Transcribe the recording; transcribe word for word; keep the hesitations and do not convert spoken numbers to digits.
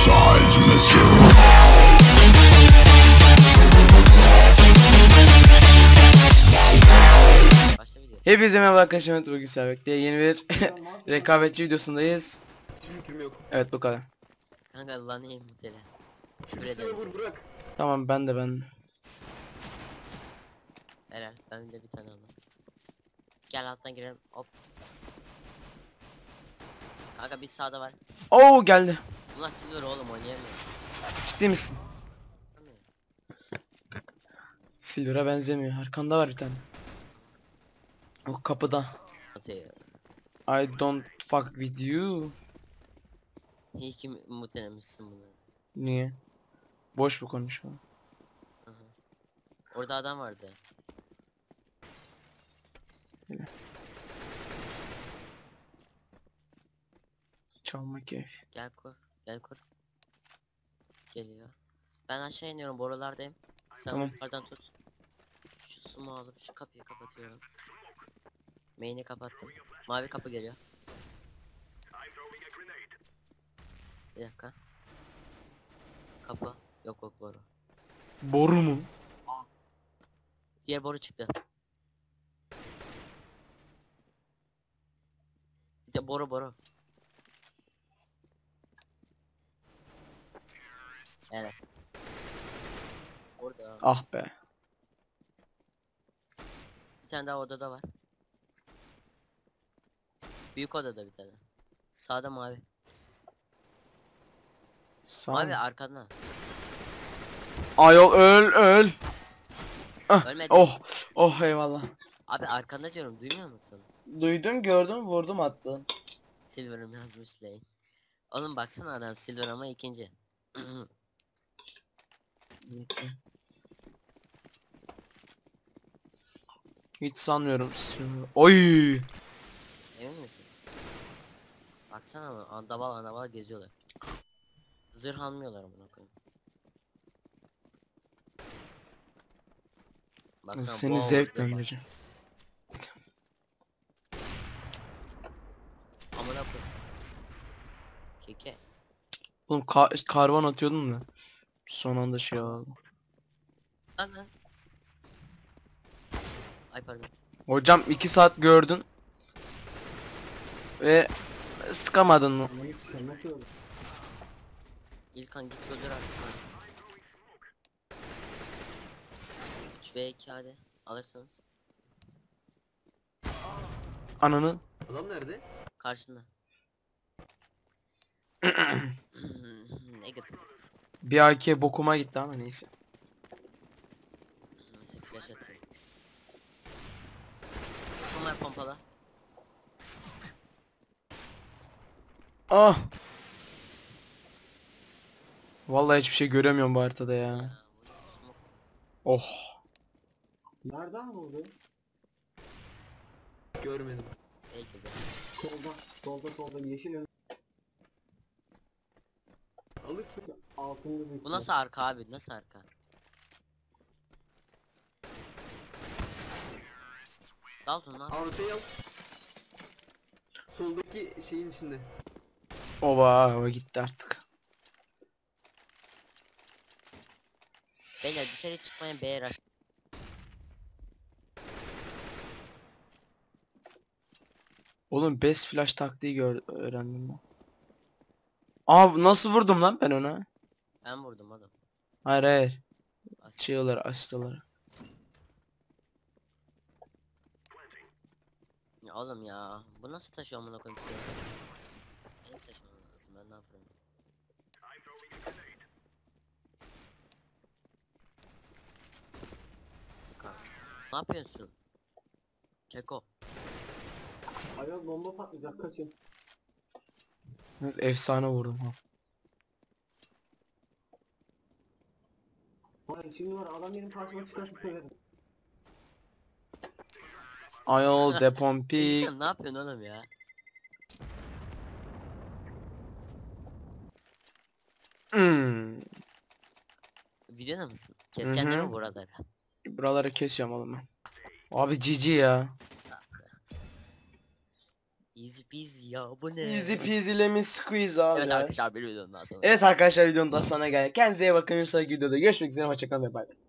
sides, mister. Hepinize merhaba arkadaşlar, bugün Servet'te yeni bir rekabetçi videosundayız. Evet, bu kadar. Kanka lan iyi mutele. Üstüne vur bırak. Tamam, ben de ben. Helal, ben de bir tane aldım. Gel alttan girelim, hop. Kanka bir sağda var. Oo, geldi. Bunlar silver oğlum, oynayamıyor. Ciddi misin? Silver'a benzemiyor. Arkanda var bir tane. O kapıda. Atıyor. I don't fuck with you. İyi ki mutelemişsin bunu. Niye? Boş bu konuşma. Hı hı. Orada adam vardı. Çalma keyif. Gel kur, gel kur. Geliyor. Ben aşağı iniyorum, borulardayım. Sen Tamam. yukarıdan tut. Şu sumu alıp şu kapıyı kapatıyorum. Main'i kapattım. Mavi kapı geliyor. Bir dakika. Kapı. Yok yok boru. Boru mu? Diğer boru çıktı. Bir de boru boru. Evet. Orada. Ah be. Bir tane daha odada var. Büyük odada bir tane. Sağda mavi. Sağ Mavi mı? arkanda. Ayol öl öl. Ah, Ölmedi. oh oh eyvallah. Abi arkanda diyorum, duymuyor musun? Duydum, gördüm, vurdum, attım. Silver'ım yazmış Lane. Oğlum baksana adam Silver ama ikinci. Hiç sanmıyorum. Oy. Emin misin? Baksana ama andaval andaval geziyorlar. Zırh almıyorlar amına koyayım. Baksana, Seni boğaz zevkle zırh var. öldüreceğim. Amına koyayım. Keke. Oğlum ka karvan atıyordun da. Son anda şey oldu. Lan lan. Ay pardon. Hocam iki saat gördün. Ve sıkamadın mı? İlkan git öldür artık lan. üç ve iki hadi. Alırsınız. Ananı. Adam nerede? Karşında. Negatif. Bir A K bokuma gitti ama neyse. Nasıl flash atayım. Bunlar pompala. Ah. Vallahi hiçbir şey göremiyorum bu haritada ya. Ya, bu smoke. Oh. Nereden vurdu? Görmedim. Belki de. Solda, solda, solda yeşil ön Alırsın. altında bir. Bu nasıl arka abi? Nasıl arka? Dalton lan. Ortaya al. Soldaki şeyin içinde. Oba, o gitti artık. Beyler dışarı çıkmayın, B'ye rush. Oğlum best flash taktiği gör öğrendim ben. Aa, nasıl vurdum lan ben ona? Ben vurdum adam. Hayır hayır. As- Çığlar açtılar. Ya oğlum ya, bu nasıl taşıyor amına koyayım size? Benim taşımam lazım, ben ne yapıyorum? Bak. Ne yapıyorsun? Keko. Ayol bomba patlayacak, kaçın. Evet, efsane vurdum ha. Hayır şimdi var, adam benim karşıma çıkarsa söylerim. Ayol depompik. Sen ne yapıyorsun oğlum ya? Hmm. Videoda mısın? Keseceksin değil Hı hı. mi buraları? Buraları kesiyorum oğlum ben. Abi cici ya. Easy peasy ya bu ne? Easy peasy lemon squeeze abi. Evet arkadaşlar bir videonun daha sonra. Evet arkadaşlar videonun daha sonuna geldik. Kendinize iyi bakın. Bir sonraki videoda görüşmek üzere. Hoşçakalın ve bay bay.